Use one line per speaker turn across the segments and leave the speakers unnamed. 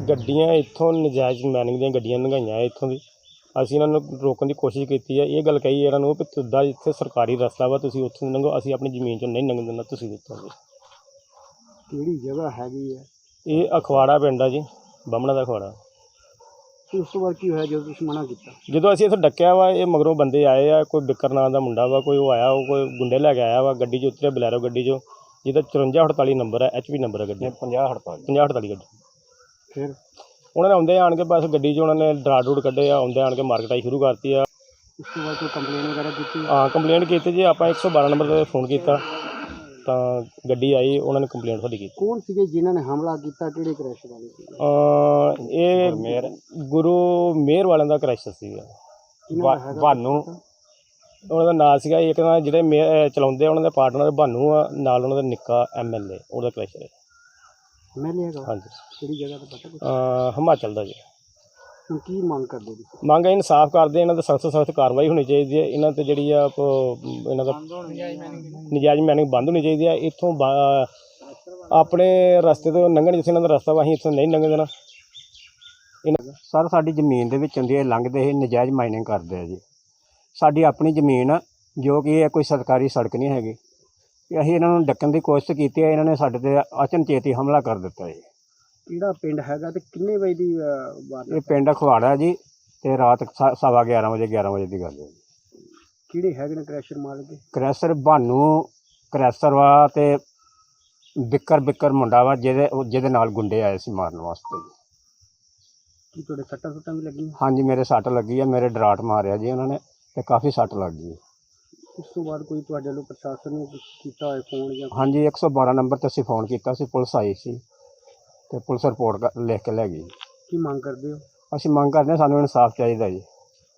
ਗੱਡੀਆਂ ਇੱਥੋਂ ਨਜਾਇਜ਼ ਮਾਈਨਿੰਗ ਦੀਆਂ ਗੱਡੀਆਂ ਲੰਘਾਈਆਂ ਇੱਥੋਂ ਦੀ। ਅਸੀਂ ਇਹਨਾਂ ਨੂੰ ਰੋਕਣ ਦੀ ਕੋਸ਼ਿਸ਼ ਕੀਤੀ ਹੈ। ਇਹ ਗੱਲ ਕਹੀ ਇਹਨਾਂ ਨੂੰ ਵੀ ਤੁਹਾਡਾ ਇੱਥੇ ਸਰਕਾਰੀ ਰਸਤਾ ਵਾ, ਤੁਸੀਂ ਉੱਥੋਂ ਲੰਘੋ, ਅਸੀਂ ਆਪਣੀ ਜ਼ਮੀਨ 'ਚੋਂ ਨਹੀਂ ਲੰਘਣ ਦਿੰਦਾ, ਤੁਸੀਂ ਉੱਥੋਂ ਦੀ।
ਕਿਹੜੀ ਜਗ੍ਹਾ ਹੈਗੀ ਹੈ?
ਇਹ ਅਖਵਾੜਾ ਪਿੰਡ ਆ ਜੀ, ਬਾਹਮਣਾ ਦਾ ਅਖਵਾੜਾ।
ਤੇ ਉਸ ਤੋਂ ਬਾਅਦ ਕੀ ਹੋਇਆ ਜਦੋਂ ਤੁਸੀਂ ਮਨਾ ਕੀਤਾ?
ਜਦੋਂ ਅਸੀਂ ਇੱਥੇ ਡੱਕਿਆ ਵਾ, ਇਹ ਮਗਰੋਂ ਬੰਦੇ ਆਏ ਆ, ਕੋਈ ਬਿੱਕਰ ਨਾਂ ਦਾ ਮੁੰਡਾ ਵਾ, ਕੋਈ ਉਹ ਆਇਆ, ਉਹ ਕੋਈ ਗੁੰਡੇ ਲੈ ਕੇ ਆਇਆ ਵਾ, ਗੱਡੀ 'ਚ ਉਤਰਿਆ ਬਲੈਰੋ ਗੱਡੀ 'ਚੋਂ, ਜਿਹਦਾ 5448 ਨੰਬਰ ਹੈ, HP ਨੰਬਰ ਹੈ ਗੱਡੀ, 5048 ਗੱਡੀ।
ਫਿਰ
ਉਹਨਾਂ ਨੇ ਆਉਂਦੇ ਆਣ ਕੇ ਬਸ ਗੱਡੀ 'ਚ ਉਹਨਾਂ ਨੇ ਡਰਾ ਡਰੂਡ ਕੱਢੇ ਆ, ਆਉਂਦੇ ਆਣ ਕੇ ਮਾਰਕਟਾਈ ਸ਼ੁਰੂ ਕਰਤੀ ਆ।
ਉਸ ਤੋਂ ਬਾਅਦ ਕੋਈ ਕੰਪਲੇਨ ਵਗੈਰਾ ਕੀਤੀ?
ਹਾਂ, ਕੰਪਲੇਂਟ ਕੀਤੀ ਜੀ, ਆਪਾਂ 112 ਨੰਬਰ 'ਤੇ ਫੋਨ ਕੀਤਾ ਤਾਂ ਗੱਡੀ ਆਈ, ਉਹਨਾਂ ਨੇ ਕੰਪਲੇਂਟ ਸਾਡੀ ਕੀਤੀ।
ਕੌਣ ਸੀਗੇ ਜਿਨ੍ਹਾਂ ਨੇ ਹਮਲਾ ਕੀਤਾ? ਕਿਹੜੇ ਕ੍ਰੈਸ਼ ਵਾਲੇ ਸੀ?
ਇਹ ਗੁਰੂ ਮੇਰ ਵਾਲਿਆਂ ਦਾ ਕ੍ਰੈਸ਼ਰ ਸੀਗਾ, ਭਾਨੂ ਉਹਨਾਂ ਦਾ ਨਾਂ ਸੀਗਾ। ਇੱਕ ਤਾਂ ਜਿਹੜੇ ਚਲਾਉਂਦੇ ਉਹਨਾਂ ਦੇ ਪਾਰਟਨਰ ਭਾਨੂ ਆ, ਨਾਲ ਉਹਨਾਂ ਦਾ ਨਿੱਕਾ MLA ਉਹਦਾ ਕ੍ਰੈਸ਼ਰ ਹੈ।
MLA ਹੈਗਾ?
ਹਾਂਜੀ।
ਕਿਹੜੀ ਜਗ੍ਹਾ ਦਾ ਪਤਾ?
ਹਿਮਾਚਲ ਦਾ ਜੀ।
ਹੁਣ ਕੀ ਮੰਗ ਕਰਦੇ ਤੁਸੀਂ?
ਮੰਗ ਹੈ ਇਨਸਾਫ ਕਰਦੇ, ਇਹਨਾਂ ਦਾ ਸਖਤ ਤੋਂ ਸਖਤ ਕਾਰਵਾਈ ਹੋਣੀ ਚਾਹੀਦੀ ਹੈ। ਇਹਨਾਂ 'ਤੇ ਜਿਹੜੀ ਆ ਇਹਨਾਂ ਦਾ ਨਜਾਇਜ਼ ਮਾਈਨਿੰਗ ਬੰਦ ਹੋਣੀ ਚਾਹੀਦੀ ਹੈ। ਇੱਥੋਂ ਆਪਣੇ ਰਸਤੇ ਤੋਂ ਲੰਘਣ, ਜਿੱਥੇ ਇਹਨਾਂ ਦਾ ਰਸਤਾ ਵਾ, ਅਸੀਂ ਇੱਥੋਂ ਨਹੀਂ ਲੰਘ ਦੇਣਾ। ਸਰ, ਸਾਡੀ ਜ਼ਮੀਨ ਦੇ ਵਿੱਚ ਹੁੰਦੀ ਹੈ, ਲੰਘਦੇ ਇਹ ਨਜਾਇਜ਼ ਮਾਈਨਿੰਗ ਕਰਦੇ ਆ ਜੀ। ਸਾਡੀ ਆਪਣੀ ਜ਼ਮੀਨ ਆ, ਜੋ ਕਿ ਇਹ ਕੋਈ ਸਰਕਾਰੀ ਸੜਕ ਨਹੀਂ ਹੈਗੀ। ਅਸੀਂ ਇਹਨਾਂ ਨੂੰ ਡੱਕਣ ਦੀ ਕੋਸ਼ਿਸ਼ ਕੀਤੀ ਹੈ, ਇਹਨਾਂ ਨੇ ਸਾਡੇ 'ਤੇ ਅਚਨਚੇਤੀ ਹਮਲਾ ਕਰ ਦਿੱਤਾ ਜੀ।
ਕਿਹੜਾ ਪਿੰਡ ਹੈਗਾ ਤੇ ਕਿੰਨੇ ਵਜੇ ਦੀ ਬਾਤ?
ਇਹ ਪਿੰਡ ਅਖਵਾੜਾ ਜੀ, ਤੇ ਰਾਤ 11:15 ਵਜੇ 11 ਵਜੇ ਦੀ ਗੱਲ ਹੈ।
ਕਿਹੜੇ ਹੈਗੇ ਨੇ ਕ੍ਰੈਸ਼ਰ ਮਾਲਕ?
ਕ੍ਰੈਸ਼ਰ ਭਾਨੂ ਕ੍ਰੈਸ਼ਰ ਵਾ, ਤੇ ਬਿੱਕਰ ਮੁੰਡਾ ਵਾ, ਜਿਹਦੇ ਨਾਲ ਗੁੰਡੇ ਆਏ ਸੀ ਮਾਰਨ ਵਾਸਤੇ ਜੀ।
ਕੀ ਤੁਹਾਡੇ ਸੱਟਾਂ ਸੁੱਟਾਂ ਵੀ ਲੱਗੀਆਂ?
ਹਾਂਜੀ, ਮੇਰੇ ਸੱਟ ਲੱਗੀ ਆ, ਮੇਰੇ ਡਰਾਟ ਮਾਰਿਆ ਜੀ ਉਹਨਾਂ ਨੇ, ਤੇ ਕਾਫੀ ਸੱਟ ਲੱਗ ਗਈ।
ਉਸ ਤੋਂ ਬਾਅਦ ਕੋਈ ਤੁਹਾਡੇ ਵੱਲੋਂ ਪ੍ਰਸ਼ਾਸਨ ਨੂੰ ਕੀਤਾ ਹੋਇਆ ਫੋਨ ਜਾਂ?
ਹਾਂਜੀ, 112 ਨੰਬਰ 'ਤੇ ਅਸੀਂ ਫੋਨ ਕੀਤਾ ਸੀ, ਪੁਲਿਸ ਆਈ ਸੀ ਤੇ ਪੁਲਿਸ ਰਿਪੋਰਟ ਲਿਖ ਕੇ ਲੈ ਗਈ।
ਕੀ ਮੰਗ ਕਰਦੇ ਹੋ? ਅਸੀਂ
ਮੰਗ ਕਰਦੇ ਹਾਂ, ਸਾਨੂੰ ਇਨਸਾਫ ਚਾਹੀਦਾ ਜੀ,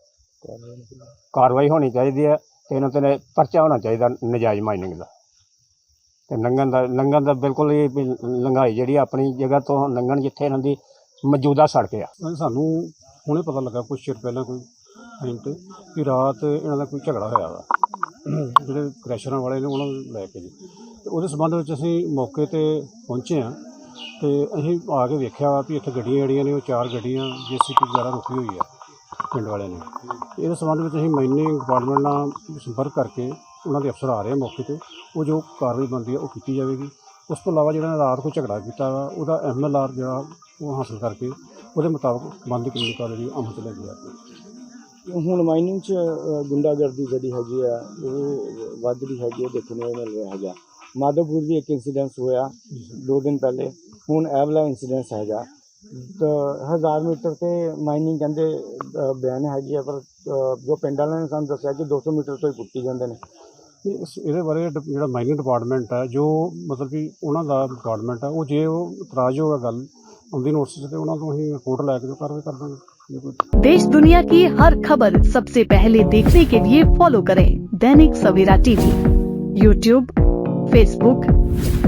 ਕਾਰਵਾਈ ਹੋਣੀ ਚਾਹੀਦੀ ਹੈ, ਤੇ ਇਹਨਾਂ 'ਤੇ ਪਰਚਾ ਹੋਣਾ ਚਾਹੀਦਾ ਨਜਾਇਜ਼ ਮਾਈਨਿੰਗ ਦਾ। ਤੇ ਲੰਘਣ ਦਾ ਬਿਲਕੁਲ ਹੀ ਲੰਘਾਈ ਜਿਹੜੀ ਆਪਣੀ ਜਗ੍ਹਾ ਤੋਂ ਲੰਘਣ, ਜਿੱਥੇ ਇਹਨਾਂ ਦੀ ਮੌਜੂਦਾ ਸੜਕ ਆ।
ਸਾਨੂੰ ਹੁਣੇ ਪਤਾ ਲੱਗਾ ਕੁਛ ਚਿਰ ਪਹਿਲਾਂ ਕੋਈ ਟਾਈਮ 'ਤੇ ਕਿ ਰਾਤ ਇਹਨਾਂ ਦਾ ਕੋਈ ਝਗੜਾ ਹੋਇਆ ਵਾ ਜਿਹੜੇ ਕ੍ਰੈਸ਼ਰਾਂ ਵਾਲੇ ਨੇ ਉਹਨਾਂ ਨੂੰ ਲੈ ਕੇ ਜੀ। ਅਤੇ ਉਹਦੇ ਸੰਬੰਧ ਵਿੱਚ ਅਸੀਂ ਮੌਕੇ 'ਤੇ ਪਹੁੰਚੇ ਹਾਂ, ਅਤੇ ਅਸੀਂ ਆ ਕੇ ਵੇਖਿਆ ਵਾ ਵੀ ਇੱਥੇ ਗੱਡੀਆਂ ਜਿਹੜੀਆਂ ਨੇ ਉਹ 4 ਗੱਡੀਆਂ JCB ਵਗੈਰਾ ਰੁਕੀ ਹੋਈ ਆ ਪਿੰਡ ਵਾਲਿਆਂ ਨੇ। ਅਤੇ ਇਹਦੇ ਸੰਬੰਧ ਵਿੱਚ ਅਸੀਂ ਮਾਈਨਿੰਗ ਡਿਪਾਰਟਮੈਂਟ ਨਾਲ ਸੰਪਰਕ ਕਰਕੇ ਉਹਨਾਂ ਦੇ ਅਫਸਰ ਆ ਰਹੇ ਆ ਮੌਕੇ 'ਤੇ, ਉਹ ਜੋ ਕਾਰਵਾਈ ਬਣਦੀ ਹੈ ਉਹ ਕੀਤੀ ਜਾਵੇਗੀ। ਉਸ ਤੋਂ ਇਲਾਵਾ ਜਿਹੜਾ ਰਾਤ ਕੋਈ ਝਗੜਾ ਕੀਤਾ ਵਾ, ਉਹਦਾ MLR ਜਿਹੜਾ ਉਹ ਹਾਸਲ ਕਰਕੇ ਉਹਦੇ ਮੁਤਾਬਕ ਬੰਦ ਕਾਨੂੰਨੀ ਕਾਰਵਾਈ ਅਮਲ 'ਚ ਲੈ ਕੇ ਆਈ।
ਹੁਣ ਮਾਈਨਿੰਗ 'ਚ ਗੁੰਡਾਗਰਦੀ ਜਿਹੜੀ ਹੈਗੀ ਆ ਉਹ ਵੱਧ ਰਹੀ ਹੈਗੀ, ਦੇਖਣ ਨੂੰ ਮਿਲ ਰਿਹਾ ਹੈਗਾ। ਮਾਧੋਪੁਰ ਵੀ ਇੱਕ ਇੰਸੀਡੈਂਸ ਹੋਇਆ 2 ਦਿਨ ਪਹਿਲੇ, ਹੁਣ ਇਹ ਵਾਲਾ ਇੰਸੀਡੈਂਸ ਹੈਗਾ। 1000 ਮੀਟਰ 'ਤੇ ਮਾਈਨਿੰਗ ਕਹਿੰਦੇ ਬਿਆਨ ਹੈਗੀ ਆ, ਪਰ ਜੋ ਪਿੰਡ ਵਾਲਿਆਂ ਨੇ ਸਾਨੂੰ ਦੱਸਿਆ ਕਿ 200 ਮੀਟਰ ਤੋਂ ਹੀ ਪੁੱਟੀ ਜਾਂਦੇ ਨੇ।
ਇਹਦੇ ਬਾਰੇ ਜਿਹੜਾ ਮਾਈਨਿੰਗ ਡਿਪਾਰਟਮੈਂਟ ਹੈ, ਜੋ ਮਤਲਬ ਕਿ ਉਹਨਾਂ ਦਾ ਡਿਪਾਰਟਮੈਂਟ ਹੈ, ਉਹ ਜੇ ਉਹ ਇਤਰਾਜ਼ ਹੋਗਾ ਗੱਲ ਆਉਂਦੀ ਨੋਟਿਸ 'ਤੇ ਉਹਨਾਂ ਤੋਂ ਅਸੀਂ ਰਿਪੋर्ट ਲੈ ਕੇ ਕਾਰਵਾਈ कर देंगे।
देश दुनिया की हर खबर सबसे पहले देखने के लिए फॉलो करें Dainik Savera TV, YouTube, Facebook,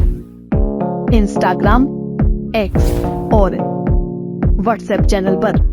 Instagram, X और WhatsApp चैनल पर।